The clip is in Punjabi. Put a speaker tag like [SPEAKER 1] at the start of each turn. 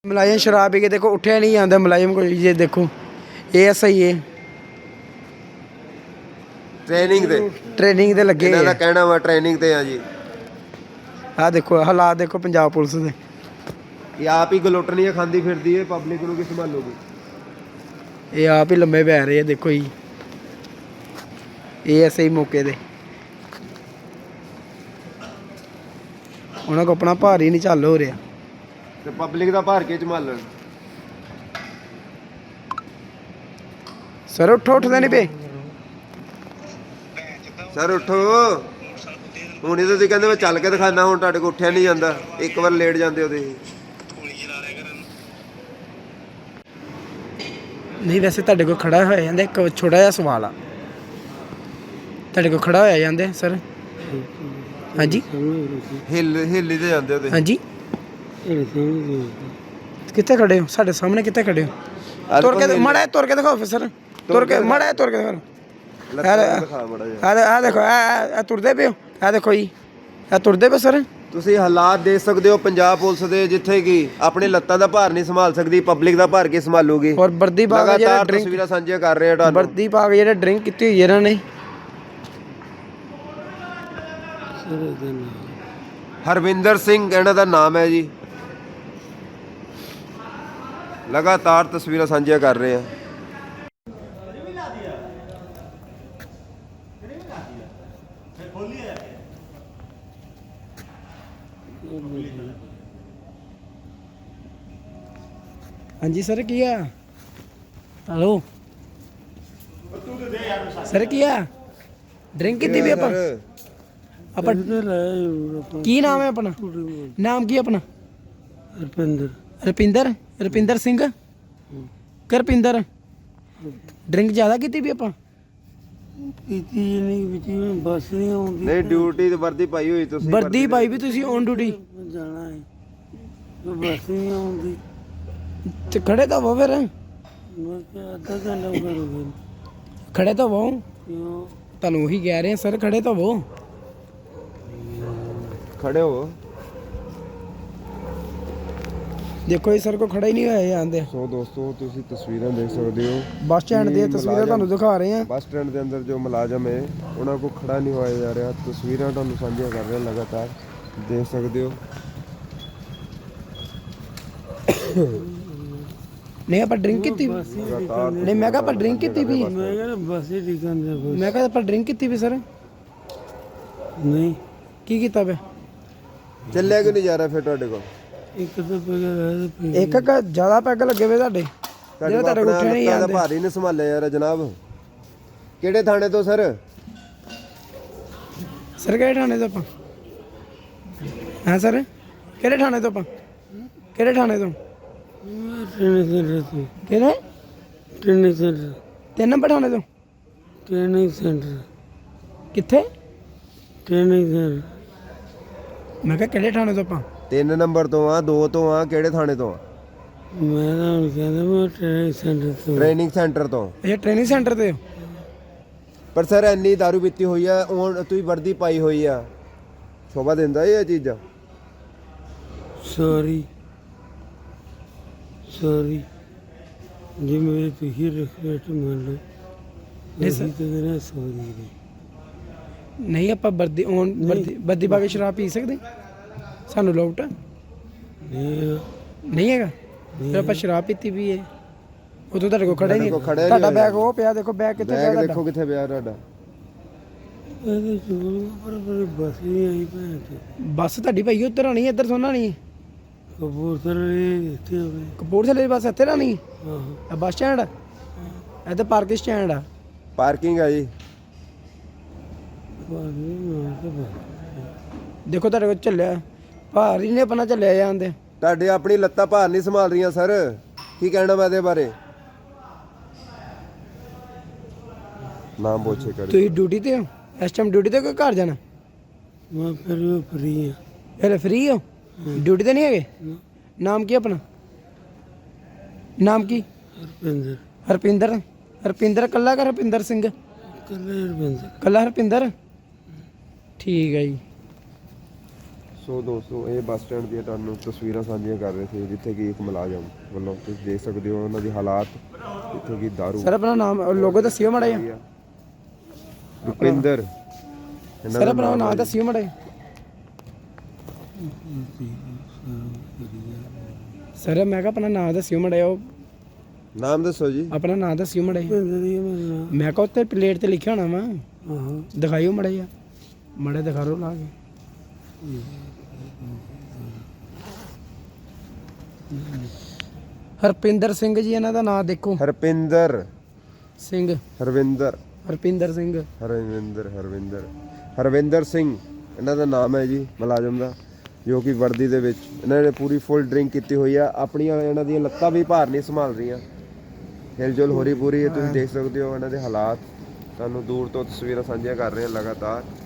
[SPEAKER 1] मुलायम शराब पी के देखो उठिया नहीं जाता मुलायम को ये देखो ये सही है ट्रेनिंग ते लगे
[SPEAKER 2] ਇਹਨਾਂ ਦਾ ਕਹਿਣਾ ਵਾ ਟ੍ਰੇਨਿੰਗ ਤੇ ਆ ਜੀ
[SPEAKER 1] आ देखो हालात देखो पंजाब पुलिस दे
[SPEAKER 2] ਇਹ ਆਪ ਹੀ ਗਲੋਟਣੀਆਂ ਖਾਂਦੀ ਫਿਰਦੀ ਹੈ ਪਬਲਿਕ ਨੂੰ ਕੀ ਸੰਭਾਲੋਗੇ
[SPEAKER 1] ये आप ही लम्बे पै रहे हैं देखो जी ये ऐसे ही मौके दे उन्होंने को अपना भार ही नहीं चल हो रहा
[SPEAKER 2] ਤੇ ਪਬਲਿਕ ਦਾ ਭਾਰ ਕੇ ਸੰਭਾਲਣ
[SPEAKER 1] सर उठो उठते नहीं पे
[SPEAKER 2] ਸਰ ਉੱਠੋ ਹੁਣ ਇਹ ਤੁਸੀਂ ਕਹਿੰਦੇ ਮੈਂ ਚੱਲ ਕੇ ਦਿਖਾਣਾ ਹੁਣ ਤੁਹਾਡੇ ਕੋਲ ਉੱਠਿਆ ਨਹੀਂ ਜਾਂਦਾ ਇੱਕ ਵਾਰ ਲੇਟ ਜਾਂਦੇ ਹੋ ਤੁਸੀਂ
[SPEAKER 1] नहीं वैसे ਤੁਹਾਡੇ ਕੋਲ ਖੜਾ ਹੋਇਆ ਜਾਂਦਾ ਇੱਕ ਛੋਟਾ ਜਿਹਾ ਸਵਾਲ ਆ ਤੁਹਾਡੇ ਕੋਲ ਖੜਾ ਹੋਇਆ ਜਾਂਦੇ ਸਰ ਹਾਂਜੀ
[SPEAKER 2] ਹਿੱਲੀ ਤੇ ਜਾਂਦੇ ਹੋ ਤੁਸੀਂ
[SPEAKER 1] ਹਾਂਜੀ ਕਿੱਥੇ ਖੜੇ ਹੋ ਸਾਡੇ ਸਾਹਮਣੇ ਕਿੱਥੇ ਖੜੇ ਹੋ ਤੁਰ ਕੇ ਮਾੜਾ ਤੁਰ ਕੇ ਦਿਖਾਓ ਸਰ ਤੁਰ ਕੇ ਮਾੜਾ ਤੁਰ ਕੇ ਦਿਖਾਓ
[SPEAKER 2] ਦਿਖਾ ਮੜਾ ਜੀ
[SPEAKER 1] ਆ ਦੇਖੋ ਆ ਤੁਰਦੇ ਪਏ ਹੋ ਆ ਦੇਖੋ ਜੀ ਆ ਤੁਰਦੇ ਪਏ ਸਰ
[SPEAKER 2] ਤੁਸੀਂ ਹਾਲਾਤ ਦੇਖ ਸਕਦੇ ਹੋ ਪੰਜਾਬ ਪੁਲਿਸ ਦੇ ਜਿੱਥੇ ਕਿ ਆਪਣੇ ਲੱਤਾਂ ਦਾ ਭਾਰ ਨਹੀਂ ਸੰਭਾਲ ਸਕਦੀ ਪਬਲਿਕ ਦਾ ਭਾਰ ਕੇ ਸੰਭਾਲੂਗੀ
[SPEAKER 1] ਔਰ ਵਰਦੀ ਪਾ ਕੇ ਜਿਹੜਾ ਡਰਿੰਕ
[SPEAKER 2] ਤਸਵੀਰਾਂ ਸਾਂਝੀਆਂ ਕਰ ਰਹੇ ਆ ਤੁਹਾਨੂੰ
[SPEAKER 1] ਵਰਦੀ ਪਾ ਕੇ ਜਿਹੜਾ ਡਰਿੰਕ ਕੀਤੀ ਹੋਈ ਇਹਨਾਂ ਨੇ
[SPEAKER 2] ਹਰਵਿੰਦਰ ਸਿੰਘ ਇਹਨਾਂ ਦਾ ਨਾਮ ਹੈ ਜੀ ਲਗਾਤਾਰ ਤਸਵੀਰਾਂ ਸਾਂਝੀਆਂ ਕਰ ਰਹੇ ਆ
[SPEAKER 1] ਹਾਂਜੀ ਸਰ ਕੀ ਆ ਹੈਲੋ ਸਰ ਕੀ ਆ ਡਰਿੰਕ ਕੀਤੀ ਵੀ ਆਪਾਂ ਆਪਾਂ ਕੀ ਨਾਮ ਹੈ ਆਪਣਾ ਨਾਮ ਕੀ ਆਪਣਾ ਰੁਪਿੰਦਰ ਸਿੰਘ ਕਰਪਿੰਦਰ ਡਰਿੰਕ ਜ਼ਿਆਦਾ ਕੀਤੀ ਵੀ ਆਪਾਂ
[SPEAKER 3] ਕੀਤੀ ਨਹੀਂ ਵਿੱਚ ਬੱਸ ਨਹੀਂ ਆਉਂਦੀ
[SPEAKER 2] ਨਹੀਂ ਡਿਊਟੀ ਤੇ ਵਰਦੀ ਪਾਈ ਹੋਈ ਤੁਸੀਂ
[SPEAKER 1] ਵਰਦੀ ਪਾਈ ਵੀ ਤੁਸੀਂ ਔਨ ਡਿਊਟੀ
[SPEAKER 3] ਜਾਣਾ ਹੈ ਬੱਸ ਨਹੀਂ ਆਉਂਦੀ
[SPEAKER 1] ਤੇ ਖੜੇ ਤਾਂ ਹੋ ਫਿਰ
[SPEAKER 3] ਮੈਂ ਕਿਹਾ ਅੱਧਾ ਘੰਟਾ ਕਰੂੰਗਾ
[SPEAKER 1] ਖੜੇ ਤਾਂ ਹੋ
[SPEAKER 3] ਕਿਉਂ
[SPEAKER 1] ਤੁਹਾਨੂੰ ਉਹੀ ਕਹਿ ਰਹੇ ਸਰ ਖੜੇ ਤਾਂ ਹੋ
[SPEAKER 2] ਖੜੇ ਹੋ
[SPEAKER 1] ਦੇਖੋ ਇਹ ਸਰ ਕੋ ਖੜਾ ਹੀ ਨਹੀਂ ਹੋਇਆ ਜਾਂਦੇ
[SPEAKER 2] ਸੋ ਦੋਸਤੋ ਤੁਸੀਂ ਤਸਵੀਰਾਂ ਦੇਖ ਸਕਦੇ ਹੋ
[SPEAKER 1] ਬੱਸ ਸਟੈਂਡ ਦੀਆਂ ਤਸਵੀਰਾਂ ਤੁਹਾਨੂੰ ਦਿਖਾ ਰਹੇ ਆ
[SPEAKER 2] ਬੱਸ ਸਟੈਂਡ ਦੇ ਅੰਦਰ ਜੋ ਮੁਲਾਜ਼ਮ ਹੈ ਉਹਨਾਂ ਕੋਲ ਖੜਾ ਨਹੀਂ ਹੋਇਆ ਜਾ ਰਿਹਾ ਤਸਵੀਰਾਂ ਤੁਹਾਨੂੰ ਸਾਂਝੀਆਂ ਕਰ ਰਹੇ ਹਾਂ ਲਗਾਤਾਰ ਦੇਖ ਸਕਦੇ ਹੋ
[SPEAKER 1] ਨਹੀਂ ਆਪਾਂ ਡਰਿੰਕ ਕੀਤੀ ਵੀ
[SPEAKER 2] ਲਗਾਤਾਰ
[SPEAKER 1] ਨਹੀਂ ਮੈਂ ਕਿਹਾ ਆਪਾਂ ਡਰਿੰਕ ਕੀਤੀ ਵੀ
[SPEAKER 3] ਮੈਂ ਕਿਹਾ ਬੱਸ ਹੀ ਠੀਕ ਆਂਦੇ
[SPEAKER 1] ਮੈਂ ਕਿਹਾ ਆਪਾਂ ਡਰਿੰਕ ਕੀਤੀ ਵੀ ਸਰ
[SPEAKER 3] ਨਹੀਂ
[SPEAKER 1] ਕੀ ਕੀਤਾ ਵੇ
[SPEAKER 2] ਚੱਲਿਆ ਕਿਉਂ ਨਹੀਂ ਜਾ ਰਿਹਾ ਫਿਰ ਤੁਹਾਡੇ ਕੋਲ
[SPEAKER 3] ਇੱਕ ਤਾਂ ਪਗਾ
[SPEAKER 1] ਇੱਕ ਜ਼ਿਆਦਾ ਪੈਗ ਲੱਗੇ ਵੇ ਤੁਹਾਡੇ ਜਿਹੜਾ ਤੁਹਾਡੇ ਕੋਲ ਉੱਠਿਆ ਨਹੀਂ
[SPEAKER 2] ਦਾ
[SPEAKER 1] ਜਾਂਦੇ
[SPEAKER 2] ਭਾਰ ਹੀ ਨਹੀਂ ਸੰਭਾਲਿਆ ਯਾਰ ਜਨਾਬ ਕਿਹੜੇ ਥਾਣੇ ਤੋਂ ਸਰ
[SPEAKER 1] ਸਰ ਕਿਹੜੇ ਥਾਣੇ ਤੋਂ ਆਪਾਂ ਹਾਂ ਸਰ ਕਿਹੜੇ ਥਾਣੇ ਤੋਂ ਆਪਾਂ ਕਿਹੜੇ ਥਾਣੇ ਤੋਂ
[SPEAKER 3] ਟ੍ਰੇਨਿੰਗ ਸੈਂਟਰ ਤੋਂ
[SPEAKER 1] ਕਿਹੜੇ
[SPEAKER 3] ਟ੍ਰੇਨਿੰਗ ਸੈਂਟਰ
[SPEAKER 1] 3 ਨੰਬਰ ਥਾਣੇ ਤੋਂ
[SPEAKER 3] ਟ੍ਰੇਨਿੰਗ ਸੈਂਟਰ
[SPEAKER 1] ਕਿੱਥੇ
[SPEAKER 3] ਟ੍ਰੇਨਿੰਗ ਸੈਂਟਰ
[SPEAKER 1] ਮੈਂ ਕਿਹਾ ਕਿਹੜੇ ਥਾਣੇ ਤੋਂ ਆਪਾਂ
[SPEAKER 2] 3 ਨੰਬਰ ਤੋਂ ਆ 2 ਤੋਂ ਆ ਕਿਹੜੇ ਥਾਣੇ ਤੋਂ ਆ
[SPEAKER 3] ਮੈਂ ਤਾਂ ਹੁਣ ਕਹਿੰਦਾ ਮੈਂ ਟ੍ਰੇਨਿੰਗ ਸੈਂਟਰ ਤੋਂ
[SPEAKER 2] ਟ੍ਰੇਨਿੰਗ ਸੈਂਟਰ ਤੋਂ
[SPEAKER 1] ਇਹ ਟ੍ਰੇਨਿੰਗ ਸੈਂਟਰ ਤੇ ਹੋ
[SPEAKER 2] ਪਰ ਸਰ ਇੰਨੀ ਦਾਰੂ ਪੀਤੀ ਹੋਈ ਆ ਹੁਣ ਤੁਸੀਂ ਵਰਦੀ ਪਾਈ ਹੋਈ ਆ ਸ਼ੋਭਾ ਦਿੰਦਾ ਇਹ ਚੀਜ਼ਾਂ
[SPEAKER 3] ਸੌਰੀ ਜੀ ਮੇਰੇ ਤੁਸੀਂ ਰਿਕਵੈਸਟ ਮੰਨ ਲਓ
[SPEAKER 1] ਨਹੀਂ ਸਰ।
[SPEAKER 3] ਅਸੀਂ ਤਾਂ ਕਹਿੰਦੇ ਸੌਰੀ
[SPEAKER 1] ਨਹੀਂ ਆਪਾਂ ਵਰਦੀ ਪਾ ਕੇ ਸ਼ਰਾਬ ਪੀ ਸਕਦੇ ਸਾਨੂੰ ਲੋਟ
[SPEAKER 3] ਨਹੀਂ
[SPEAKER 1] ਨਹੀਂ ਹੈਗਾ ਫਿਰ ਆਪਾਂ ਸ਼ਰਾਬ ਪੀਤੀ ਵੀ ਹੈ ਉਦੋਂ ਤੁਹਾਡੇ ਕੋਲ ਖੜਾ ਹੀ ਨਹੀਂ
[SPEAKER 2] ਖੜਿਆ
[SPEAKER 1] ਤੁਹਾਡਾ ਬੈਗ ਉਹ ਪਿਆ ਦੇਖੋ ਬੈਗ ਕਿੱਥੇ ਪਿਆ
[SPEAKER 2] ਬੈਗ
[SPEAKER 1] ਤੁਹਾਡਾ
[SPEAKER 2] ਦੇਖੋ ਕਿੱਥੇ ਪਿਆ ਤੁਹਾਡਾ
[SPEAKER 3] ਇਹਦੇ ਚੋਂ ਪਰ ਬੱਸ ਨਹੀਂ ਆਈ ਭੈਣ ਤੇ
[SPEAKER 1] ਬੱਸ ਤੁਹਾਡੀ ਭਾਈ ਉੱਧਰ ਆਣੀ ਇੱਧਰ ਸੋਨਾ ਨਹੀਂ
[SPEAKER 3] ਕਪੂਰਥਲੇ ਇੱਥੇ ਹੋਵੇ
[SPEAKER 1] ਕਪੂਰਥਲੇ ਦੀ ਬੱਸ ਇੱਥੇ ਆਣੀ
[SPEAKER 3] ਆਹੋ
[SPEAKER 1] ਇਹ ਬੱਸ ਸਟੈਂਡ ਆ ਇਹ ਤਾਂ ਪਾਰਕਿੰਗ ਸਟੈਂਡ ਆ
[SPEAKER 2] ਪਾਰਕਿੰਗ ਆ ਜੀ
[SPEAKER 3] ਬਾਜੀ ਮਾਰ ਕੇ ਬੱਸ
[SPEAKER 1] ਦੇਖੋ ਤੁਹਾਡੇ ਕੋਲ ਚੱਲਿਆ ਭਾਰ ਹੀ ਨੇ ਆਪਣਾ ਚੱਲਿਆ ਜਾਂਦੇ
[SPEAKER 2] ਤੁਹਾਡੇ ਆਪਣੀ ਲੱਤਾਂ ਭਾਰ ਨਹੀਂ ਸੰਭਾਲ ਰਹੀਆਂ ਸਰ ਕੀ ਕਹਿਣਾ ਮੈਂ ਇਹਦੇ ਬਾਰੇ ਨਾਮ ਪੁੱਛੇ ਕਰ
[SPEAKER 1] ਤੁਸੀਂ ਡਿਊਟੀ ਤੇ ਹੋ ਇਸ ਟਾਈਮ ਡਿਊਟੀ ਤੇ ਕੋਈ ਘਰ ਜਾਣਾ
[SPEAKER 3] ਮੈਂ ਫਿਰ ਉਹ ਫਰੀ ਆ
[SPEAKER 1] ਹਲੇ ਫ੍ਰੀ ਹੋ ਡਿਊਟੀ ਤੇ ਨਹੀਂ ਹੈਗੇ ਨਾਮ ਕੀ ਆਪਣਾ ਨਾਮ ਕੀ
[SPEAKER 3] ਹਰਪਿੰਦਰ
[SPEAKER 1] ਹਰਪਿੰਦਰ ਕੱਲਾ ਕਰ ਹਰਪਿੰਦਰ ਸਿੰਘ
[SPEAKER 3] ਕੱਲੇ ਹਰਪਿੰਦਰ
[SPEAKER 1] ਕੱਲਾ ਹਰਪਿੰਦਰ ਠੀਕ ਹੈ ਜੀ
[SPEAKER 2] ਸੋ ਦੋਸਤੋ ਇਹ ਬੱਸ ਸਟੈਂਡ ਦੀਆਂ ਤੁਹਾਨੂੰ ਤਸਵੀਰਾਂ ਸਾਂਝੀਆਂ ਕਰ ਰਹੇ ਸੀ ਜਿੱਥੇ ਕਿ ਇੱਕ ਮੁਲਾਜ਼ਮ ਵੱਲੋਂ ਤੁਸੀਂ ਦੇਖ ਸਕਦੇ ਹੋ ਉਹਨਾਂ ਦੀ ਹਾਲਾਤ ਜਿੱਥੇ ਕਿ ਦਾਰੂ
[SPEAKER 1] ਸਰ ਆਪਣਾ ਨਾਮ ਲੋਗੋ ਦੱਸਿਓ ਮਾੜਾ ਜਿਹਾ।
[SPEAKER 2] ਰੁਪਿੰਦਰ
[SPEAKER 1] ਸਰ ਆਪਣਾ ਨਾਮ ਦੱਸਿਓ ਮਾੜਾ ਜਿਹਾ। ਸਰ ਮੈਂ ਕਿਹਾ ਆਪਣਾ ਨਾਮ ਦੱਸਿਓ ਮਾੜਾ ਜਿਹਾ। ਉਹ
[SPEAKER 2] ਨਾਮ ਦੱਸੋ ਜੀ।
[SPEAKER 1] ਆਪਣਾ ਨਾਮ ਦੱਸਿਓ ਮਾੜਾ ਜਿਹਾ।
[SPEAKER 3] ਭਿੰਦਰ ਹੀ ਆ ਮੇਰਾ ਨਾਮ।
[SPEAKER 1] ਮੈਂ ਕਿਹਾ ਉੱਤੇ ਪਲੇਟ ਤੇ ਲਿਖਿਆ ਹੋਣਾ ਵਾ,
[SPEAKER 3] ਆਹੋ
[SPEAKER 1] ਦਿਖਾਇਓ ਮਾੜਾ ਜਿਹਾ। ਮਾੜਾ ਦਿਖਾ ਰੋ ਲਾ ਕੇ। ਹਰਪਿੰਦਰ ਸਿੰਘ ਜੀ ਇਹਨਾਂ ਦਾ ਨਾਮ ਦੇਖੋ।
[SPEAKER 2] ਹਰਪਿੰਦਰ
[SPEAKER 1] ਸਿੰਘ
[SPEAKER 2] ਹਰਵਿੰਦਰ
[SPEAKER 1] ਹਰਪਿੰਦਰ ਸਿੰਘ
[SPEAKER 2] ਹਰਵਿੰਦਰ ਸਿੰਘ ਇਹਨਾਂ ਦਾ ਨਾਮ ਹੈ ਜੀ ਮੁਲਾਜ਼ਮ ਦਾ, ਜੋ ਕਿ ਵਰਦੀ ਦੇ ਵਿੱਚ ਇਹਨਾਂ ਨੇ ਪੂਰੀ ਫੁੱਲ ਡਰਿੰਕ ਕੀਤੀ ਹੋਈ ਆ। ਆਪਣੀਆਂ ਇਹਨਾਂ ਦੀਆਂ ਲੱਤਾਂ ਵੀ ਭਾਰ ਨਹੀਂ ਸੰਭਾਲ ਰਹੀਆਂ, ਹਿਲਜੁਲ ਹੋ ਰਹੀ ਪੂਰੀ। ਤੁਸੀਂ ਦੇਖ ਸਕਦੇ ਹੋ ਇਹਨਾਂ ਦੇ ਹਾਲਾਤ, ਤੁਹਾਨੂੰ ਦੂਰ ਤੋਂ ਤਸਵੀਰਾਂ ਸਾਂਝੀਆਂ ਕਰ ਰਹੇ ਹਾਂ ਲਗਾਤਾਰ।